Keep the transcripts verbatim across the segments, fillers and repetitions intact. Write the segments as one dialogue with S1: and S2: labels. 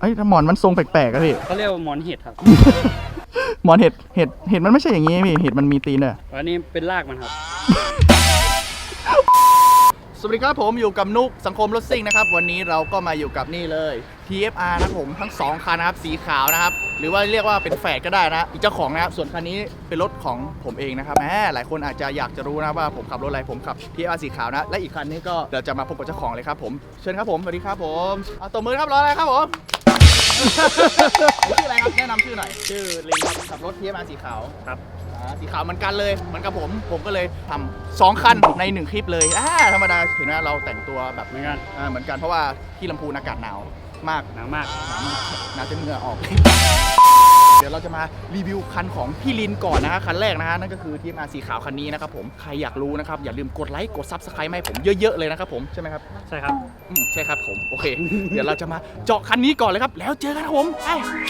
S1: เอ้ยหมอนมันทรงแปลกๆอะพี่
S2: เขาเรียกว่าหมอนเห็ดครับ
S1: หมอนเห็ดเห็ดเห็ดมันไม่ใช่อย่างงี้พี่เห็ดมันมีตีนด้วย
S2: อันนี้เป็นรากมันครับ
S1: สวัสดีครับผมอยู่กับนุกสังคมรถซิ่งนะครับวันนี้เราก็มาอยู่กับนี่เลย ที เอฟ อาร์ นะครับผมทั้งสองคันนะครับสีขาวนะครับหรือว่าเรียกว่าเป็นแฝดก็ได้นะอีกเจ้าของนะครับส่วนคันนี้เป็นรถของผมเองนะครับแหมหลายคนอาจจะอยากจะรู้นะว่าผมขับรถอะไรผมขับ ที เอฟ อาร์ สีขาวนะและอีกคันนี้ก็เดี๋ยวจะมาพบกับเจ้าของเลยครับผมเชิญครับผมสวัสดีครับผมเอาตัวมือครับรออะไรครับผม ชื่ออะไรครับแนะนำชื่อหน่อยชื่อลิงครับขับรถ ที เอฟ อาร์ สีขาวครับสีขาวเหมือนกันเลยเหมือนกับผมผมก็เลยทำสองคันในหนึ่งคลิปเลยอ่าธรรมดาเห็นว่าเราแต่งตัวแบบ
S2: เหมือนกัน
S1: อ่าเหมือนกันเพราะว่าที่ลำพูนอากาศหนาวมาก
S2: หนาวมาก
S1: หนาวมากหนาวจนเหงื่อออก เดี๋ยวเราจะมารีวิวคันของพี่ลินก่อนนะฮะคันแรกนะฮะนั่นก็คือ ที เอฟ อาร์ สีขาวคันนี้นะครับผมใครอยากรู้นะครับอย่าลืมกดไลค์กดซับสไครต์ให้ผมเยอะๆเลยนะครับผมใช่ไหมครับ
S2: ใช่ครับ
S1: อืมใช่ครับผมโอเค เดี๋ยวเราจะมาเจาะคันนี้ก่อนเลยครับแล้วเจอกันครับผมไป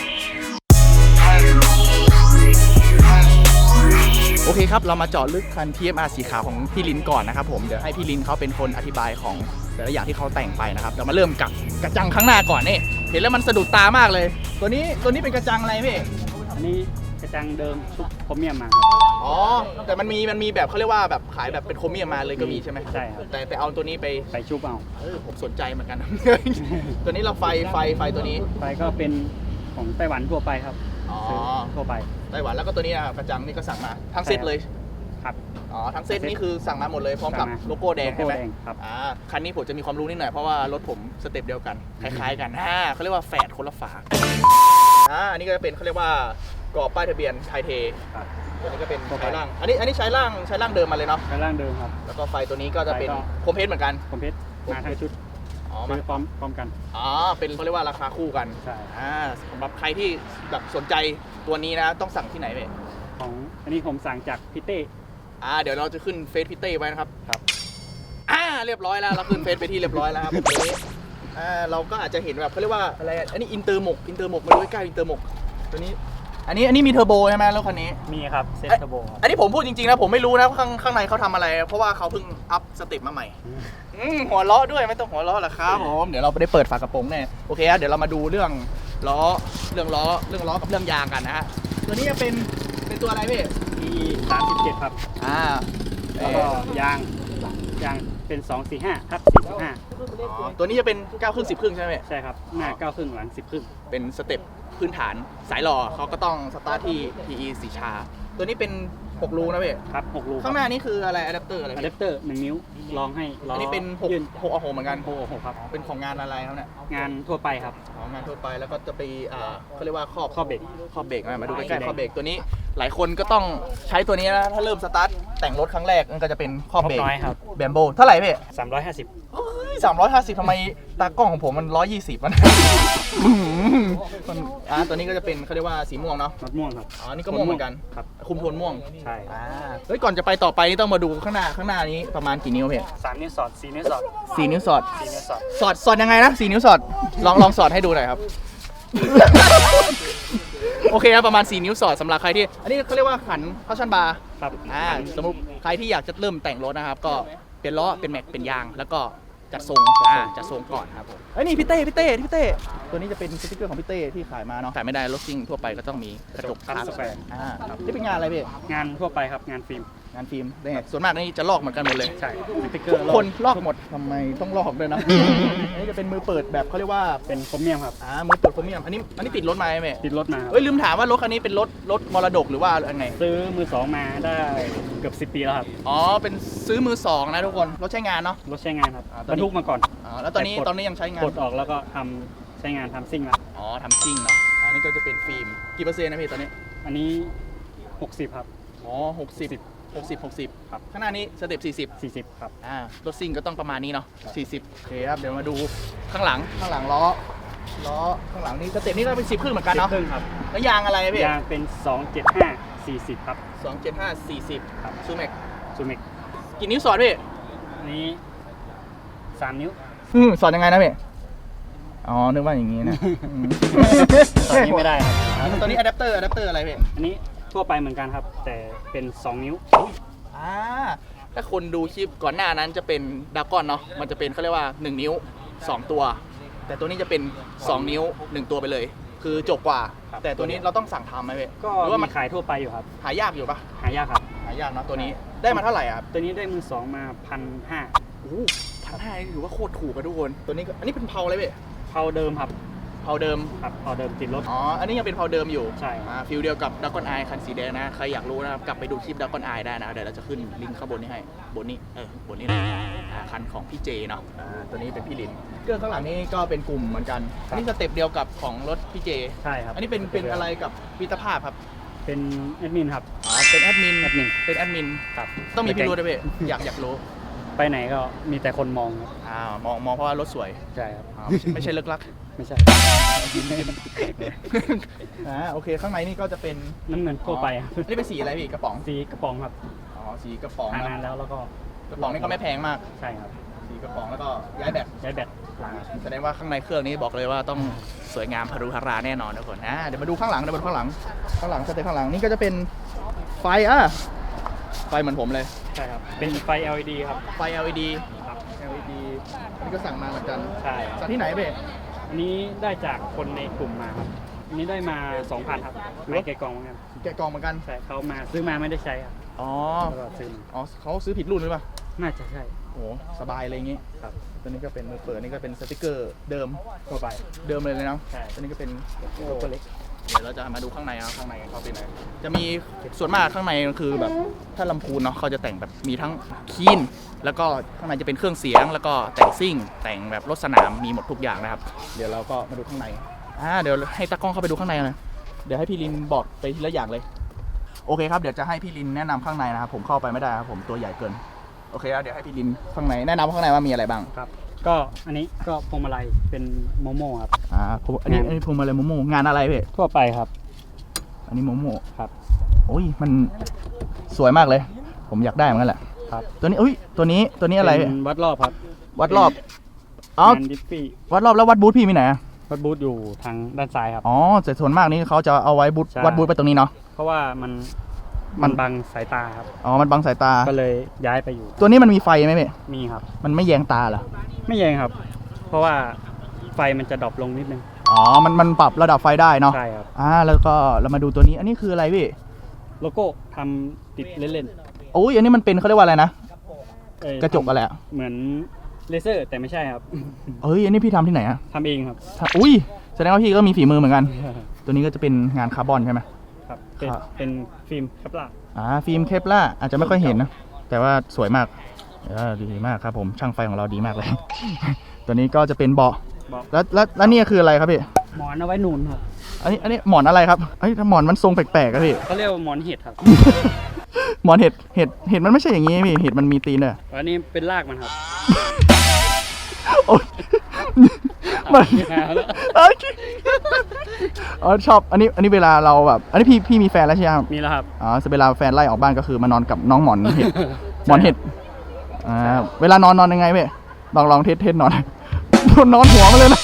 S1: โอเคครับเรามาเจาะลึกคัน ที เอฟ อาร์ สีขาวของพี่ลินก่อนนะครับผมเดี๋ยวให้พี่ลินเขาเป็นคนอธิบายของแต่ละอย่างที่เขาแต่งไปนะครับเรามาเริ่มกับกระจังข้างหน้าก่อนนี่เห็นแล้วมันสะดุดตามากเลยตัวนี้ตัวนี้เป็นกระจังอะไรพี่
S2: อันนี้กระจังเดิมชุบโครเมียมมาครับ
S1: อ๋อแต่มันมีมันมีแบบเขาเรียกว่าแบบขายแบบเป็นโครเมียมมาเลยก็มีใช่ไหม
S2: ใช่ครับ
S1: แต่แต่เอาตัวนี้ไป
S2: ไปชุบเอา
S1: เออผมสนใจเหมือนกัน ตัวนี้เราไฟไฟไฟตัวนี้
S2: ไฟก็เป็นของไต้หวันทั่วไปครับ
S1: อ๋อ
S2: ทั่วไป
S1: ไต้หวันแล้วก็ตัวนี้นะกระจังนี่ก็สั่งมาทั้งเซตเลย
S2: ครับ
S1: อ๋อทั้งเซตนี่คือสั่งมาหมดเลยพร้อมกับโลโก้แดงใช่ไหมครับอ่าคันนี้ผมจะมีความรู้นิดหน่อยเพราะว่ารถผมสเต็ปเดียวกันคล้ายๆกันอ่าเขาเรียกว่าแฝดคนละฝาอ่าอันนี้ก็จะเป็นเขาเรียกว่ากรอบป้ายทะเบียนไทยเทตัวนี้ก็เป็นใช้ล่างอันนี้อันนี้ใช้ล่างใช้ล่างเดิมมาเลยเนาะ
S2: ใช้ล่างเดิมครับ
S1: แล้วก็ไฟตัวนี้ก็จะเป็นโคมเพชรเหมือนกัน
S2: โคมเพชรมาทั้งชุด
S1: อ๋อ
S2: มาพร้อมพร้อมกัน
S1: อ๋อเป็นเขาเรียกว่าราคาคู่กัน
S2: ใช่
S1: อ่าสำหรับใครที่แบบสนใจตัวนี้นะต้องสั่งที่ไหนเว้ย
S2: ของอันนี้ผมสั่งจากพี่เต้
S1: อ่าเดี๋ยวเราจะขึ้นเฟซพี่เต้ไว้นะครับ
S2: ครับ
S1: อ่าเรียบร้อยแล้วเราขึ้นเฟซไปที่เรียบร้อยแล้วครับตัวนี้อ่าเราก็อาจจะเห็นแบบเขาเรียกว่าอะไรอันนี้อินเตอร์หมกอินเตอร์หมกมาดูใกล้ๆอินเตอร์หมกตัวนี้อันนี้อันนี้มีเทอร์โบใช่ไหมรถคันนี้
S2: มีครับเซตเทอร์โบ
S1: อันนี้ผมพูดจริงๆนะผมไม่รู้นะข้างข้างในเขาทำอะไรเพราะว่าเขาเพิ่งอัพสเต็ปมาใหม่หัวล้อด้วยไม่ต้องหัวล้อหรอกครับผมเดี๋ยวเราไปได้เปิดฝากระโปรงแน่โอเคครับเดี๋ยวเรามาดูเรื่องล้อเรื่องล้อเรื่องล้อกับเรื่องยางกันนะฮะตัวนี้จะเป็นเป็นตัวอะไรพี่
S2: มีสามสิบเจ็ดครับ
S1: อ่า
S2: แล้วก็ยางยางเป็นสองสี่ห้าทับสี่สิบห้า
S1: ตัวนี้จะเป็นเก้าครึ่งสิบครึ่งใช่ไหม
S2: ใช่ครับหน้าเก้าครึ่งหลังสิบครึ่ง
S1: เป็นสเต็ปพื้นฐานสายหล่อเขาก็ต้องสตาร์ทที่ ที อี สีชาตัวนี้เป็นหกรูนะเว้ย
S2: ครับหกรู
S1: ข้างหน้านี้คืออะไรอะแดปเตอร์อะไร
S2: อะแดปเตอร์หนึ่งนิ้วลองให้
S1: อันนี้เป็นหกหกโอ้โหเหมือนกัน
S2: หกหกครับ
S1: เป็นของงานอะไรครับเนี่ย
S2: งานทั่วไปครับ
S1: ของงานทั่วไปแล้วก็จะไปอ่าเขาเรียกว่าครอบ
S2: ครอบเบรก
S1: ครอบเบรกมาดูใกล้ๆครอบเบรกตัวนี้หลายคนก็ต้องใช้ตัวนี้นะถ้าเริ่มสตาร์ทแต่งรถครั้งแรกมันก็จะเป็นครอบเบรก
S2: น้อยครับ
S1: แบมโบเท่าไหร่พี่
S2: สามร้อยห้าสิบ
S1: สามร้อยห้าสิบทำไมตากล้องของผมมันร้อยยี่สิบมันอ่าตัวนี้ก็จะเป็นเขาเรียกว่าสีม่วงเนาะ
S2: รถม่วงครับ
S1: อ๋อนี่ก็ม่วงเหมือนกัน
S2: ครับ
S1: คุมโทนม่วง
S2: ใช่
S1: อ่าเฮ้ยก่อนจะไปต่อไปนี่ต้องมาดูข้างหน้าข้างหน้านี้ประมาณกี่นิ้วพี่
S2: สามนิ้วสอดสี่นิ้วสอด
S1: สี่นิ้วสอด
S2: สี่นิ้วสอด
S1: สอดสอดยังไงนะสี่นิ้วสอดลองลองสอดให้ดูหน่อยครับ โอเคนะประมาณสี่นิ้วสอดสำหรับใครที่อันนี้เขาเรียกว่าขันคัชชั่นบาร์
S2: ครับ
S1: อ่าสมมติใครที่อยากจะเริ่มแต่งรถนะครับก็เป็นล้อเป็นแม็กเป็นยางแล้วก็จัดทรงอ่าจัดทรงก่อนครับผมเอ้ยนี่พี่เต้พี่เต้พี่เต้ตัวนี้จะเป็นสติ๊กเกอร์ของพี่เต้ที่ขายมาเนาะขายไม่ได้รถซิ่งทั่วไปก็ต้องมีกระจกคาร์บอนอ่าครับนี่เป็นงานอะไรพี่
S2: งานทั่วไปครับงานฟิล์ม
S1: งานฟิล์มได้ไงส่วนมากนี่จะลอกเหมือนกันหมดเลย
S2: ใช่สติ๊กเกอร์
S1: ทุกคนลอกหมดทำไมต้องลอกด้วยนะ อันนี้จะเป็นมือเปิดแบบเขาเรียกว่า
S2: เป็นโครเมียมครับ
S1: อ่ามือเปิดโครเมียมอันนี้อันนี้ติดรถมาไหม
S2: ติดรถมา
S1: เอ้ยลืมถามว่ารถคันนี้เป็นรถรถมรดกหรือว่าไง
S2: ซื้อมือสองมาได้เกือบสิบปีแล้วครับ
S1: อ๋อเป็นซื้อมือสองนะทุกคนรถใช้งานเนาะ
S2: รถใช้งานครับบรรทุกมาก่อน
S1: อ๋อแล้วตอนนี้ตอนนี้ยังใช้งาน
S2: ปลดออกแล้วก็ทำใช้งานทำซิ่งแล้ว
S1: อ๋อทำซิ่งเนาะอันนี้ก็จะเป็นฟิล์มกี่เปอร์เซ็นต์นะพี่ตอนนี้
S2: อันนี้หกสิบครับ
S1: อ๋อหกสิบหกสิบหกสิบครับข้างหน้านี้สเต็ปสี่สิบ
S2: สี่สิบครับ
S1: อ่ารถซิ่งก็ต้องประมาณนี้เนาะสี่สิบโอเคครับเดี๋ยวมาดูข้างหลังข้างหลังล้อล้อข้างหลังนี้สเต็ปนี้ก็เป็นสิบครึ่งเหมือนกันเนาะ
S2: ครึ่งครับ
S1: แล้วยางอะไรพี่
S2: ยางเป็นสองเจ็ดห้าสี่สิบครับ
S1: สองเจ็ดห้าสี่สิบครับซูเมก
S2: ซูเมก
S1: กี่นิ้วสอดพี่
S2: นี้สามนิ้ว
S1: อืมสอดยังไงนะพี่อ๋อนึกว่าอย่างงี้นะ
S2: ตอนนี้ไม่ได้ครับ
S1: ตอนนี้อะแดปเตอร์อะแดปเตอร์อะไรพี่
S2: อันนี้ทั่วไปเหมือนกันครับแต่เป็นสองนิ้ว
S1: อ่าถ้าคนดูคลิปก่อนหน้านั้นจะเป็นดากอนเนาะมันจะเป็นเขาเรียกว่าหนึ่งนิ้วสองตัวแแต่ตัวนี้จะเป็นสองนิ้วหนึ่งตัวไปเลย คือจบกว่า
S2: ครับ
S1: แต่ตัวนี้เราต้องสั่งทำไหมเว้ย
S2: ก็
S1: หรือว่า
S2: มี
S1: มัน
S2: ขายทั่วไปอยู่ครับ
S1: หายากอยู่ปะ
S2: หายากครับ
S1: หายากเนาะตัวนี้ได้มาเท่าไหร่อะครับ
S2: ตัวนี้ได้มือสองมาพันห้า
S1: โอ้พันห้าถือว่าโคตรถูกอะทุกคนตัวนี้ก็อันนี้เป็นเพาเลยเว้ย
S2: เผาเดิมครับ
S1: เพาเดิม
S2: ครับเผาเดิมติดรถ
S1: อ๋ออันนี้ยังเป็นเพาเดิมอยู่
S2: ใช่
S1: อ่าฟิลเดียวกับดักกอนไอคันสีแดงนะใครอยากรู้นะครับกลับไปดูคลิปดักกอนไอได้นะเดี๋ยวเราจะขึ้นลิงก์ข้างบนนี้ให้บนนี้เออบนนี้นะอ่าคันของพี่เจเนาะอ่าตัวนี้เป็นพี่ลินเครื่องข้างหลังนี่ก็เป็นกลุ่มเหมือนกันอันนี้สเต็ปเดียวกับของรถพี่เจ
S2: ใช่ครับ
S1: อันนี้เป็นเป็นอะไรกับมิตรภาพครับ
S2: เป็นแอดมินครับ
S1: อ๋อเป็นแอดมิน
S2: แอดมิน
S1: เป็นแอดมิน
S2: ครับ
S1: ต้องมีพี่รู้ด้วยเว้ยอยากอยากรู้
S2: ไปไหนก็มีแต่คนมองครับ
S1: อ่ามองมองเพราะว่ารถสวย
S2: ใช่ครับ
S1: อ่าไม่ใช่ไม่ใช่เลิกลัก
S2: ไม่ใช่
S1: อ่าโอเคข้างในนี่ก็จะเป็น
S2: น้ำเงินทั่วไปครับ
S1: อันนี้เป็นสีอะไรพี่กระป๋อง
S2: สีกระป๋องครับ
S1: อ๋อสีกระป๋อง
S2: ทา
S1: นะ
S2: นานแล้วแล้วก็
S1: กระป๋องนี่ก็ไม่แพงมาก
S2: ใช่ครับ
S1: สีกระป๋องแล้วก็ย้ายแบต
S2: ย้ายแบตหลัง
S1: แสดงว่าข้างในเครื่องนี้บอกเลยว่าต้องสวยงามพารุฮาราแน่นอนทุกคนอ่าเดี๋ยวมาดูข้างหลังเดี๋ยวมาดูข้างหลังข้างหลังสเต็ปข้างหลังนี่ก็จะเป็นไฟอ่ะไฟเหมือนผมเลย
S2: ใช่ครับ เป็นไฟ แอล อี ดี ครับ
S1: ไฟ แอล อี ดี
S2: ครับ
S1: แอล อี ดีอันนี้ก็สั่งมาเหมือนกัน
S2: ใช่
S1: สั่งที่ไหนเบ้
S2: อันนี้ได้จากคนในกลุ่มมาครับอันนี้ได้มา สองพัน ครับไม่แกะกล่องเหมือนกัน
S1: แกะกล่องเหมือนกัน
S2: ใช่เขามาซื้อมาไม่ได้ใช้ครับ
S1: อ๋อ
S2: แล้วก็ซื้อมา
S1: อ๋อเขาซื้อผิดรุ่นหรือเปล่า
S2: น่าจะใช่
S1: โอ้สบายเลยอย่างงี้
S2: ครับ
S1: ตัวนี้ก็เป็นมือเปิดนี่ก็เป็นสติกเกอร์เดิม
S2: ทั่วไป
S1: เดิมเลยเลยเนาะ
S2: ใช่
S1: ตัวนี้ก็เป็น
S2: โลโก้เล็ก
S1: เดี๋ยวเราจะมาดูข้างในครับข้างในเขาเป็นไงจะมีส่วนมากข้างในคือแบบถ้าลำพูนเนาะเขาจะแต่งแบบมีทั้งคีนแล้วก็ข้างในจะเป็นเครื่องเสียง แล้วก็แต่งซิ่ง แต่งแบบรถสนามมีหมดทุกอย่างนะครับ เดี๋ยวเราก็มาดูข้างในอ่าเดี๋ยวให้ตากล้องเข้าไปดูข้างในนะเดี๋ยวให้พี่ลินบอกไปทีละอย่างเลยโอเคครับเดี๋ยวจะให้พี่ลินแนะนำข้างในนะครับผมเข้าไปไม่ได้ครับผมตัวใหญ่เกินโอเคครับเดี๋ยวให้พี่ลินข้างในแนะนำข้างในว่ามีอะไรบ้าง
S2: ครับ ก็อันนี้ก็พวงมาลัยเป็นโมโม่ครับ
S1: อ่าผมอันนี้อันนี้พวงมาลัยโมโมงานอะไรพี่
S2: ทั่วไปครับ
S1: อันนี้โมโม
S2: ครับ
S1: โอ้ยมันสวยมากเลย ผมอยากได้เหมือนกันแหละ
S2: ครับ
S1: ตัวนี้อุ้ยตัวนี้ตัวนี้อะไร
S2: เป็นวัดรอบครับ
S1: วัดรอบอ๋อง
S2: านดิฟฟี่
S1: วัดรอบแล้ววัดบูธพี่มีไหนอะ
S2: วัดบูธอยู่ทางด้านซ้ายครับ
S1: อ๋อแต่ส่วนมากนี้เขาจะเอาไว้บูธ
S2: ใช่
S1: วัดบูธไปตรงนี้เนาะ
S2: เพราะว่ามัน
S1: มั
S2: มัน นบังสายตาครับ
S1: อ๋อมันบังสายตา
S2: ก็เลยย้ายไปอยู่
S1: ตัวนี้มันมีไฟไหมพี่
S2: มีครับ
S1: มันไม่แยงตาเหรอ
S2: ไม่แยงครับ เพราะว่าไฟมันจะดรอปลงนิดนึง
S1: อ๋อมันมันปรับระดับไฟได้เนาะ
S2: ใช่ครับ
S1: อ่าแล้วก็เรามาดูตัวนี้อันนี้คืออะไรพี่
S2: โลโก้ทำติดเล่น
S1: โอ้ยอันนี้มันเป็นเขาเรียกว่าอะไรนะ
S2: ๆเอ่อก
S1: ระจกอะไรอะ
S2: เหมือนเลเซอร์แต่ไม่ใช่ครับ
S1: เอ้ยอันนี้พี่ทำที่ไหนอะ
S2: ทำเองครับ
S1: ทำอุ้ยแสดงว่าพี่ก็มีฝีมือเหมือนกัน ตัวนี้ก็จะเป็นงานคาร์บอนใช่ไหม
S2: ครับ เป็น
S1: ครับ
S2: เป็นฟิล์มแคปลาร์
S1: อ่าฟิล์มเคปล่าอาจจะไม่ค่อยเห็นนะแต่ว่าสวยมากเออดีมากครับผมช่างไฟของเราดีมากเลย ตัวนี้ก็จะเป็นเบาะ
S2: บอก
S1: แล้วแล้วแล้วนี่คืออะไรครับพี่
S2: หมอนเอาไว้หนุนครับ
S1: อันนี้อันนี้หมอนอะไรครับเอ้ยหมอนมันทรงแปลกๆครับพี่
S2: เขาเรียกว่าหมอนเห็ดครับ
S1: หมอนเห็ดเห็ดเห็ดมันไม่ใช่อย่างงี้พี่เห็ดมันมีตีนด้วย
S2: อันนี้เป็นรากมันครับ
S1: โอ๊ยมัน
S2: เอาละ
S1: เอ้ยอ๋อชอบอันนี้อันนี้เวลาเราแบบอันนี้พี่พี่มีแฟนแล้วใช่ไหมครับ
S2: มีแล้วครับ
S1: อ๋อเวลาแฟนไล่ออกบ้านก็คือมานอนกับน้องหมอนเห็ดหมอนเห็ดอ่าเวลานอนนอนยังไงพี่ลองลองเทสเทสนอน นอนหัวมาเลยนะ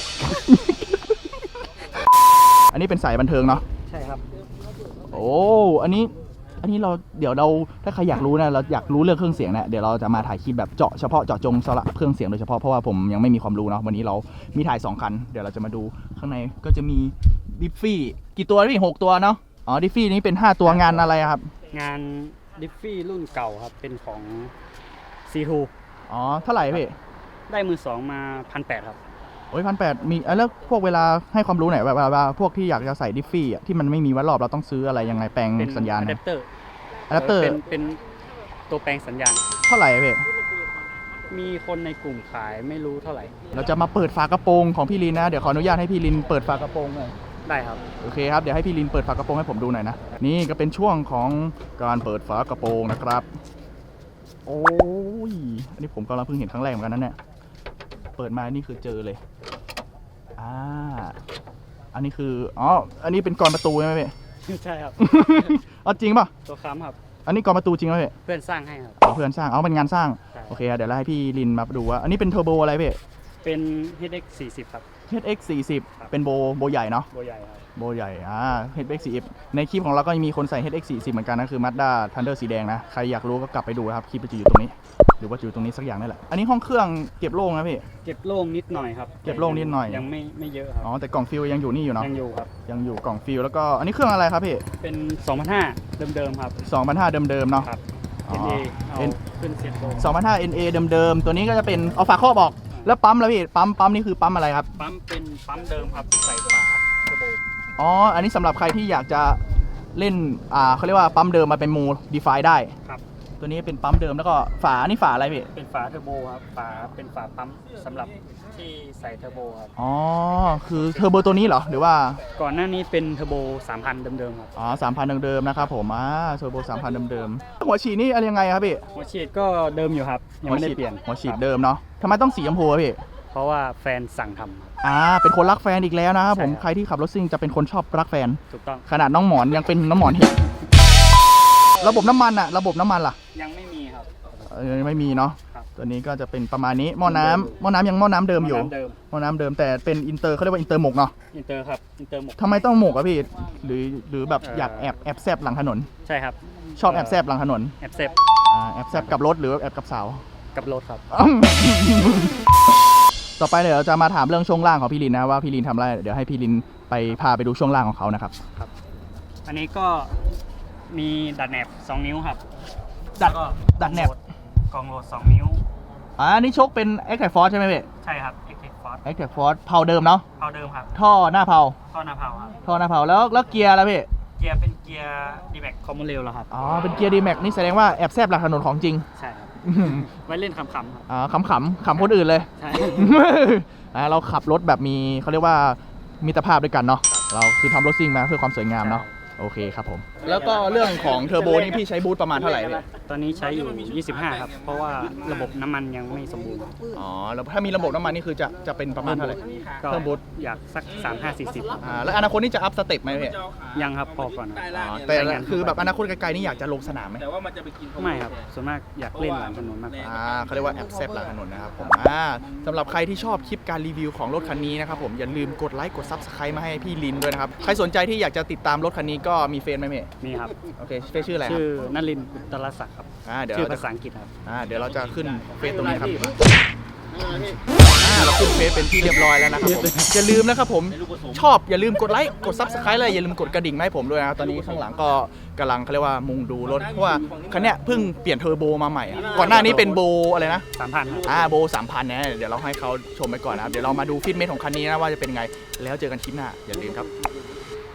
S1: อันนี้เป็นสายบันเทิงเนาะ
S2: ใช่ครับ
S1: โอ้ อันนี้ อันนี้เรา เดี๋ยวเรา ถ้าใครอยากรู้นะ เราอยากรู้เรื่องเครื่องเสียงเนี่ย เดี๋ยวเราจะมาถ่ายคลิปแบบเจาะเฉพาะเจาะจงสำหรับเครื่องเสียงโดยเฉพาะ เพราะว่าผมยังไม่มีความรู้เนาะ วันนี้เรามีถ่ายสองคัน เดี๋ยวเราจะมาดูข้างในก็จะมีดิฟฟี่กี่ตัวพี่หกตัวเนาะ อ๋อ ดิฟฟี่นี้เป็นห้าตัวงานอะไรอะครับ
S2: งานดิฟฟี่รุ่นเก่าครับ เป็นของ ซี ทู
S1: อ๋อ เท่าไหร่พี่
S2: ได้มือสองมาพันแปดครับ
S1: โอ้ยพันแปดมีอ่ะแล้วพวกเวลาให้ความรู้หน่อยว่าว่าพวกที่อยากจะใส่ดิฟฟี่อะที่มันไม่มีวัดรอบเราต้องซื้ออะไรยังไงแปลง
S2: เป็น
S1: สัญญาณ
S2: อะแด
S1: นะ
S2: ปเตอร์
S1: อะแดปเตอร์
S2: เป็นเป็นตัวแปลงสัญญาณ
S1: เท่าไหร่อะพี่
S2: มีคนในกลุ่มขายไม่รู้เท่าไหร่
S1: เราจะมาเปิดฝากระโปรงของพี่ลินนะ เดี๋ยวขออนุญาตให้พี่ลินเปิดฝากระโปรงหน่อย
S2: ได้ครับ
S1: โอเคครับ เดี๋ยวให้พี่ลินเปิดฝากระโปรงให้ผมดูหน่อยนะ นี่ก็เป็นช่วงของการเปิดฝากระโปรงนะครับ โอ้ย อันนี้ผมก็เพิ่งเห็นครั้งแรกเหมือนกันนะเนี่ย เปิดมานี่คือเจอเลย อ่า อันนี้คือ อ๋อ อันนี้เป็นกรประตูใช่ไหมพี่
S2: ใช่ครับ
S1: อ๋อจริงป่ะ
S2: ตัวค้ำครับ
S1: อันนี้กรประตูจริงไหมพี่
S2: เพื่อนสร้างให้ครับ
S1: อ๋อเพื่อนสร้าง อ๋อเป็นงานสร้าง
S2: ใช่
S1: โอเคครับเดี๋ยวเราให้พี่ลินมาดูว่า อันนี้เป็นเทอร์โบอะไรพี่
S2: เป็น เอช เอ็กซ์ สี่สิบ ครับ
S1: เอช เอ็กซ์ สี่สิบ เป็นโบโบใหญ่เนาะ
S2: โบใหญ่ครับ
S1: โบใหญ่ อ่า เอช เอ็กซ์ สี่สิบ ในคลิปของเราก็มีคนใส่ เอช เอ็กซ์ สี่สิบ เหมือนกันนะ คือ Mazda Thunder สีแดงนะ ใครอยากรู้ก็กลับไปดูนะครับ คลิปมันจะอยู่ตรงนี้หรือว่าอยู่ตรงนี้สักอย่างนี่แหละอันนี้ห้องเครื่องเก็บโล่งนะพี่
S2: เก็บโล่งนิดหน่อยครับ
S1: เก็บโล่งนิดหน่อย
S2: ยังไม่ไม่เยอะครับ
S1: อ๋อแต่กล่องฟิลยังอยู่นี่อยู่เนาะ
S2: ยังอยู่ครับ
S1: ยังอยู่กล่องฟิลแล้วก็อันนี้เครื่องอะไรครับพี่
S2: เป็น สองพันห้าร้อย เดิมๆครับ
S1: สองพันห้าเดิมๆเนาะ
S2: ครับ
S1: อ๋อ
S2: เอ็น เอ เอา
S1: N
S2: ขึ้นเซ็ตโบ
S1: สองพันห้า เอ็น เอ เดิมๆตัวนี้ก็จะเป็นเอาฝาครอบออกแล้วปั๊มแล้วพี่ปั๊มปั๊มนี่คือปั๊มอะไรครับ
S2: ปั๊มเป็นปั๊มเดิมครับใส่ฝาเทอร์โบ
S1: อ๋ออันนี้สำหรับใครที่อยากจะเล่นอ่าเขาเรียกว่าปั๊มเดิมมาเป็นโมดีไฟได้
S2: ครับ
S1: ตัวนี้เป็นปั๊มเดิมแล้วก็ฝานี่ฝาอะไรพี่
S2: เป็นฝาเทอร์โบครับฝาเป็นฝาปั๊มสำหรับที่ใส่เทอร์โบครับ
S1: อ๋อคือเทอร์โบตัวนี้เหรอหรือว่า
S2: ก่อนหน้านี้เป็นเทอร์โบสามพันเดิมๆครับ
S1: อ๋อสามพันเดิมๆนะครับผมอ่าเทอร์โบสามพันเดิมๆหัวฉีดนี่อะไรยังไงครับพี่
S2: หัวฉีดก็เดิมอยู่ครับยังไม่ได้เปลี่ยน
S1: หัวฉีด
S2: ครับ
S1: เดิมเนาะทำไมต้องสีชมพูอะพี่
S2: เพราะว่าแฟนสั่งทำครับ
S1: อ่าเป็นคนรักแฟนอีกแล้วนะครับผม
S2: ใช่ครับ
S1: ใครที่ขับรถซิ่งจะเป็นคนชอบรักแฟน
S2: ถูกต้อง
S1: ขนาดน้องหมอนยังเป็นน้องหมอนเห็นระบบน้ำมันอะระบบน้ำมันล่ะ
S2: ยังไม่มีครับ
S1: เออไม่มีเนาะ
S2: ครับ
S1: ตัวนี้ก็จะเป็นประมาณนี้หม้อน้ำหม้อน้ำยังหม้อน้ำเดิมอยู่
S2: เดิม
S1: หม้อน้ำเดิมแต่เป็นอินเตอร์เขาเรียกว่าอินเตอร์หมกเนาะ
S2: อินเตอร์ครับอินเตอร์หมก
S1: ทำไมต้องหมกอะพี่หรือหรือแบบ
S2: เอ่อ
S1: อ
S2: อ
S1: ยากแอบแอบแซบหลังถนน
S2: ใช่ครับ
S1: ชอบแอบแซบหลังถนน
S2: แอบเซฟ
S1: อ่าแอบแซบกับรถหรือแอบกับสาว
S2: กับรถครับ
S1: ต่อไปเดี๋ยวเราจะมาถามเรื่องช่วงล่างของพี่ลินนะว่าพี่ลินทำอะไรเดี๋ยวให้พี่ลินไปพาไปดูช่วงล่างของเขานะครับ
S2: อันนี้ก็มีดัดแหนบสองนิ้วครับ
S1: ดัด
S2: แล้วก็
S1: ดัดแหนบ
S2: กองโหลดสองนิ้ว
S1: อ่านี่ชกเป็น a c t i v e Force ใช่ไหมพี่
S2: ใช่ครับ Active Force
S1: a c t i v e Force เผาเดิมเนาะ
S2: เท่าเดิมครับ
S1: ท่อหน้าเผา
S2: ท่อหน้าเผาครับ
S1: ท่อหน้าเผาแล้วแล้วเกียร์แล้วพี่
S2: เกียร์เป็นเกียร์ D-Max Common Rail แล้วครับ
S1: อ๋อเป็นเกียร์ D-Max นี่แสดงว่าแอบแซบหลังถนนของจริง
S2: ใช่ครับ ไว้เล่นขำๆครับ
S1: อ่าขำขำๆขำคนอื่นเลย
S2: ใช่
S1: อ่าเราขับรถแบบมีเขาเรียกว่ามิตรภาพด้วยกันเนาะเราคือทำรถซิ่งมาเพื่อความสวยงามเนาะโอเคครับผมแล้วก็เรื่องของเทอร์โบนี่พี่ใช้บูทประมาณเท่าไหร่พี่
S2: ตอนนี้ใช้อยู่ ยี่สิบห้า ครับ เพราะว่าระบบน้ำมันยังไม่สมบูรณ์
S1: อ๋อแล้วถ้ามีระบบน้ำมันนี่คือจะจะเป็นประมาณเท่าไหร่
S2: ก็
S1: เพิ่มบูท
S2: อยากสัก สามห้าสี่สิบ
S1: อ่าแล้วอนาคตนี่จะอัพสเต็ปไหมพี่
S2: ยังครับพอก่อนครับ
S1: อ๋อแต่คือแบบอนาคตไกลๆนี่อยากจะลงสนามไหม
S2: ไม่ครับ ส่วนมากอยากเล่นหลังถนนมากกว่า
S1: อ่าเขาเรียกว่าแอบแซบหลังถนนนะครับผมอ่าสำหรับใครที่ชอบคลิปการรีวิวของรถคันนี้นะครับผมอย่าลืมกดไลค์กด ซับสไครบ์ มาให้พี่ลินด้วยนะครับใครสนใจที่อยากจะติดตามรถคันนี้ก็มีเฟซไหมเมย์
S2: มีครับ
S1: โอเคเฟซชื่ออะไรครั
S2: ชื่
S1: บ
S2: อนลินทร์อุตรศักดิ์ครับ
S1: อ่าเดี๋ยว
S2: ชื่อ
S1: เรา
S2: ภา
S1: จะ
S2: ษาอังกฤษครับ
S1: อ่าเดี๋ยวเราจะขึ้นเฟซตรงนี้ครับอ่าเราขึ้นเฟซเป็นที่เรียบร้อยแล้วนะครับผมอย่าลืมนะครับผมชอบอย่าลืมกดไลค์กด ซับสไครบ์ เลยอย่าลืมกดกระดิ่งมาให้ผมด้วยนะครับตอนนี้ข้างหลังก็กำลังเขาเรียกว่ามุงดูรถเพราะว่าคันเนี้ยเพิ่งเปลี่ยนเทอร์โบมาใหม่อะก่อนหน้านี้เป็นโบอะไรนะ
S2: สามพันครับ
S1: อ่าโบสามพันเนี่ยเดี๋ยวเราให้เขาชมไปก่อนนะครับ เดี๋ยวเรามาดูฟิตเมทของคันนี้นะว่าจะเป็นไง แล้วเจอกันคลิปหน้า อย่าลืมครับ